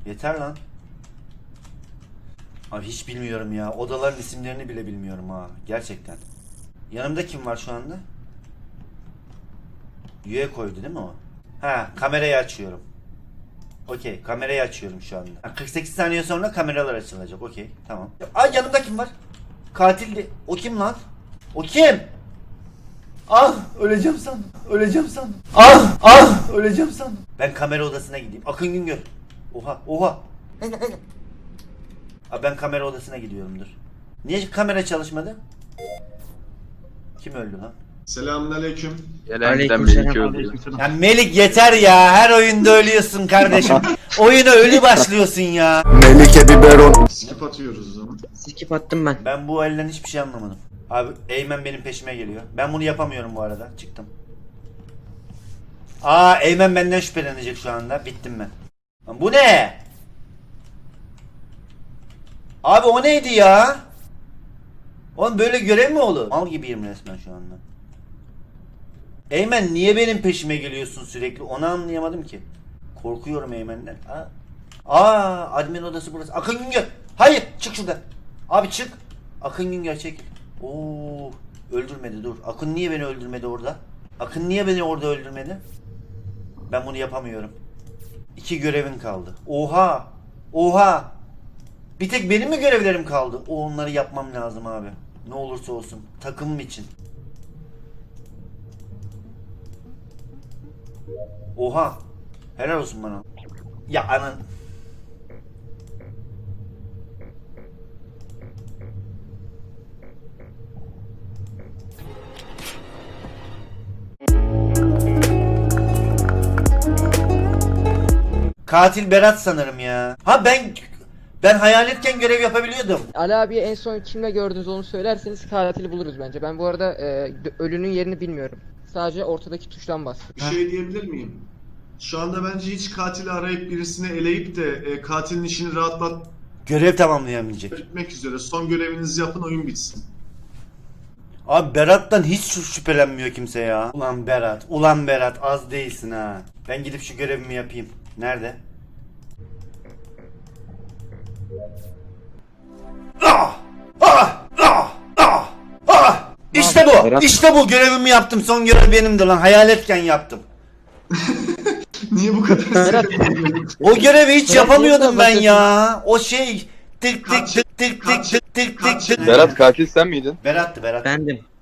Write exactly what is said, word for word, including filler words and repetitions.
Yeter lan. Abi hiç bilmiyorum ya. Odaların isimlerini bile bilmiyorum ha. Gerçekten. Yanımda kim var şu anda? Üye koydu değil mi o? Ha, kamerayı açıyorum. Okey, kamerayı açıyorum şu anda. kırk sekiz saniye sonra kameralar açılacak. Okey, tamam. Ay yanımda kim var? Katildi. O kim lan? O kim? Ah, öleceğim sandım. Öleceğim sandım. Ah, ah, öleceğim sandım. Ben kamera odasına gideyim. Akın Güngör. Oha, oha. Abi ben kamera odasına gidiyorum, dur. Niye kamera çalışmadı? Kim öldü lan? Selamünaleyküm. Gelen giden Melike öldü. Ya Melik yeter ya. Her oyunda ölüyorsun kardeşim. Oyuna ölü başlıyorsun ya. Melike biberon. Skip atıyoruz o zaman. Skip attım ben. Ben bu elden hiçbir şey anlamadım. Abi Eymen benim peşime geliyor. Ben bunu yapamıyorum bu arada. Çıktım. Aa Eymen benden şüphelenecek şu anda. Bittim ben. Lan bu ne? Abi o neydi ya? Oğlum böyle görev mi olur? Mal gibiyim resmen şu anda. Eymen niye benim peşime geliyorsun sürekli? Onu anlayamadım ki. Korkuyorum Eymen'den. Aa, Aa admin odası burası. Akın Güngör. Hayır çık şuradan. Abi çık. Akın Güngör çekil. Oo, öldürmedi dur. Akın niye beni öldürmedi orada? Akın niye beni orada öldürmedi? Ben bunu yapamıyorum. İki görevin kaldı. Oha. Oha. Bir tek benim mi görevlerim kaldı? O onları yapmam lazım abi. Ne olursa olsun. Takımım için. Oha. Helal olsun bana. Ya anan. Katil Berat sanırım ya. Ha ben ben hayaletken görev yapabiliyordum. Ali abiye en son kimle gördünüz onu söylerseniz katili buluruz bence. Ben bu arada e, ölünün yerini bilmiyorum. Sadece ortadaki tuştan bastım. Bir şey diyebilir miyim? Şu anda bence hiç katili arayıp birisini eleyip de e, katilin işini rahatlatmak Görev tamamlayamayacak. üzere son görevinizi yapın, oyun bitsin. Abi Berat'tan hiç şü- şüphelenmiyor kimse ya. Ulan Berat, ulan Berat az değilsin ha. Ben gidip şu görevimi yapayım. Nerede? Ah! Ah! Ah! Ah! Ah! İşte bu. Berat- İşte bu görevimi yaptım. Son görev benimdi lan. Hayaletken yaptım. Niye bu kadar Berat, O görevi hiç Berat yapamıyordum niye ben sen ya. O şey tık tık Kaç- tık tık tık kaç- tık tık tık kaç- tık. Berat katil sen miydin? Berat'tı Berat. Bendim.